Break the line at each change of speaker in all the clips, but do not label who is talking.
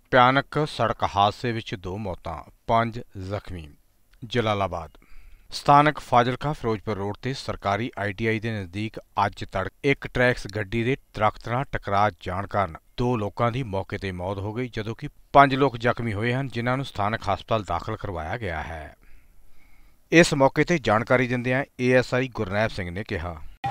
ਭਿਆਨਕ ਸੜਕ ਹਾਦਸੇ ਵਿੱਚ 2 ਮੌਤਾਂ 5 ਜ਼ਖਮੀ। ਜਲਾਲਾਬਾਦ ਸਥਾਨਕ ਫਾਜ਼ਿਲਕਾ ਫਿਰੋਜ਼ਪੁਰ ਰੋਡ ਤੇ ਸਰਕਾਰੀ ITI ਦੇ ਨਜ਼ਦੀਕ ਅੱਜ ਤੜਕੇ ਇੱਕ ਟਰੈਕਸ ਗੱਡੀ ਦੇ ਦਰਖਤ ਨਾਲ ਟਕਰਾ ਜਾਣ ਕਾਰਨ 2 ਲੋਕਾਂ ਦੀ ਮੌਕੇ ਤੇ ਮੌਤ ਹੋ ਗਈ, ਜਦੋਂ ਕਿ 5 ਲੋਕ ਜ਼ਖਮੀ ਹੋਏ ਹਨ, ਜਿਨ੍ਹਾਂ ਨੂੰ ਸਥਾਨਕ ਹਸਪਤਾਲ ਦਾਖਲ ਕਰਵਾਇਆ ਗਿਆ ਹੈ। ਇਸ ਮੌਕੇ ਤੇ ਜਾਣਕਾਰੀ ਦਿੰਦਿਆਂ ASI ਗੁਰਨੈਬ ਸਿੰਘ ਨੇ ਕਿਹਾ,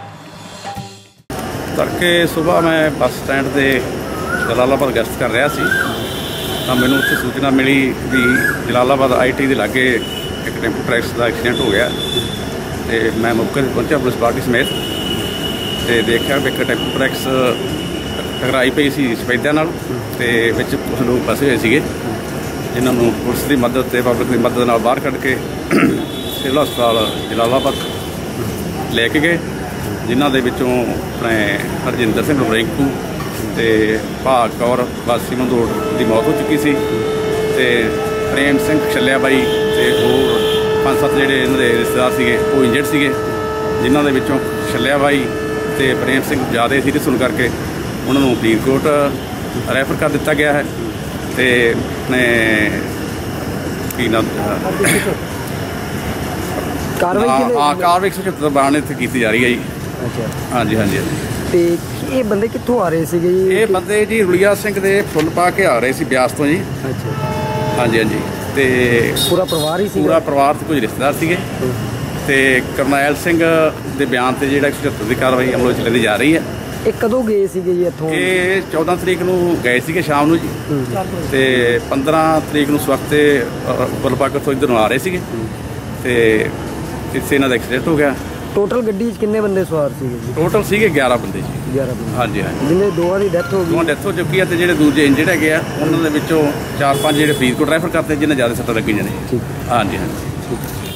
ਤੜਕੇ ਸੁਬਾਹ ਮੈਂ ਬੱਸ ਸਟੈਂਡ ਤੇ ਜਲਾਲਾਬਾਦ ਗਸ਼ਤ ਕਰ ਰਿਹਾ ਸੀ ਤਾਂ ਮੈਨੂੰ ਉੱਥੇ ਸੂਚਨਾ ਮਿਲੀ ਵੀ ਜਲਾਲਾਬਾਦ ITI ਦੇ ਲਾਗੇ ਇੱਕ ਟੈਂਪੂ ਟਰੈਕਸ ਦਾ ਐਕਸੀਡੈਂਟ ਹੋ ਗਿਆ ਤੇ ਮੈਂ ਮੌਕੇ ਤੇ ਪਹੁੰਚਿਆ ਪੁਲਿਸ ਪਾਰਟੀ ਸਮੇਤ ਤੇ ਦੇਖਿਆ ਵੀ ਇੱਕ ਟੈਂਪੂ ਟਰੈਕਸ ਟਕਰਾਈ ਪਈ ਸੀ ਸਫੈਦਿਆਂ ਨਾਲ ਤੇ ਵਿੱਚ ਕੁਝ ਲੋਕ ਫਸੇ ਹੋਏ ਸੀਗੇ, ਜਿਨ੍ਹਾਂ ਨੂੰ ਪੁਲਿਸ ਦੀ ਮਦਦ ਤੇ ਪਬਲਿਕ ਦੀ ਮਦਦ ਨਾਲ ਬਾਹਰ ਕੱਢ ਕੇ ਸਿਵਲ ਹਸਪਤਾਲ ਜਲਾਲਾਬਾਦ ਲੈ ਕੇ ਗਏ, ਜਿਨ੍ਹਾਂ ਦੇ ਵਿੱਚੋਂ ਆਪਣੇ ਹਰਜਿੰਦਰ ਸਿੰਘ ਰਿੰਕੂ ਤੇ ਭਾਗ ਕੌਰ ਵਾਸੀ ਮੰਦੋੜ ਦੀ ਮੌਤ ਹੋ ਚੁੱਕੀ ਸੀ ਤੇ ਪ੍ਰੇਮ ਸਿੰਘ ਛੱਲਿਆ ਬਾਈ ਤੇ ਹੋਰ 5-7 ਜਿਹੜੇ ਇਹਨਾਂ ਦੇ ਰਿਸ਼ਤੇਦਾਰ ਸੀਗੇ ਉਹ ਇੰਜਰਡ ਸੀਗੇ, ਜਿਨ੍ਹਾਂ ਦੇ ਵਿੱਚੋਂ ਛੱਲਿਆ ਬਾਈ ਤੇ ਪ੍ਰੇਮ ਸਿੰਘ ਜ਼ਿਆਦਾ ਸੀਰੀਅਸ ਹੋਣ ਕਰਕੇ ਉਹਨਾਂ ਨੂੰ ਫਰੀਦਕੋਟ ਰੈਫਰ ਕਰ ਦਿੱਤਾ ਗਿਆ ਹੈ ਤੇ ਆਪਣੇ ਕੀ ਨਾਮ ਕਾਰਵਾਈ 176 ਬਾਣ ਇੱਥੇ ਕੀਤੀ ਜਾ ਰਹੀ ਹੈ ਜੀ।
ਅੱਛਾ,
ਹਾਂਜੀ ਹਾਂਜੀ ਹਾਂਜੀ।
ਤੇ ਇਹ ਬੰਦੇ ਕਿੱਥੋਂ ਆ ਰਹੇ ਸੀਗੇ ਜੀ?
ਇਹ ਬੰਦੇ ਜੀ ਰੁਲੀਆ ਸਿੰਘ ਦੇ ਫੁੱਲ ਪਾ ਕੇ ਆ ਰਹੇ ਸੀ ਬਿਆਸ ਤੋਂ ਜੀ।
ਅੱਛਾ,
ਹਾਂਜੀ ਹਾਂਜੀ। ਤੇ
ਪੂਰਾ ਪਰਿਵਾਰ ਹੀ ਸੀ?
ਪੂਰਾ ਪਰਿਵਾਰ ਤੇ ਕੁਝ ਰਿਸ਼ਤੇਦਾਰ ਸੀਗੇ ਤੇ ਕਰਨੈਲ ਸਿੰਘ ਦੇ ਬਿਆਨ ਤੇ ਜਿਹੜਾ 176 ਦੀ ਕਾਰਵਾਈ ਅਮਲ ਵਿੱਚ ਲੈਂਦੀ ਜਾ ਰਹੀ ਹੈ।
ਇਹ ਕਦੋਂ ਗਏ ਸੀਗੇ ਜੀ ਇੱਥੋਂ? ਇਹ
14 ਤਰੀਕ ਨੂੰ ਗਏ ਸੀਗੇ ਸ਼ਾਮ ਨੂੰ ਜੀ ਤੇ 15 ਤਰੀਕ ਨੂੰ ਸਵਖਤੇ ਗੁਲਪਾਕ ਤੋਂ ਇੱਧਰ ਨੂੰ ਆ ਰਹੇ ਸੀਗੇ ਤੇ ਇੱਥੇ ਇਹਨਾਂ ਦਾ ਐਕਸੀਡੈਂਟ ਹੋ ਗਿਆ।
ਟੋਟਲ ਗੱਡੀ 'ਚ ਕਿੰਨੇ ਬੰਦੇ ਸਵਾਰ ਸੀਗੇ ਜੀ?
ਟੋਟਲ ਸੀਗੇ 11 ਬੰਦੇ ਜੀ।
11 ਬੰਦੇ?
ਹਾਂਜੀ ਹਾਂਜੀ।
ਜਿਹਨੇ 2 ਦੀ ਡੈਥ ਹੋ ਗਈ?
2 ਡੈਥ ਹੋ ਚੁੱਕੀ ਹੈ ਤੇ ਜਿਹੜੇ ਦੂਜੇ ਇੰਜਰਡ ਹੈਗੇ ਆ ਉਹਨਾਂ ਦੇ ਵਿੱਚੋਂ 4-5 ਜਿਹੜੇ ਫਰੀਦਕੋਟ ਰੈਫਰ ਕਰਤੇ, ਜਿਹਨਾਂ ਜ਼ਿਆਦਾ ਸੱਟਾਂ ਲੱਗੀਆਂ ਨੇ।
ਠੀਕ।
ਹਾਂਜੀ ਹਾਂਜੀ।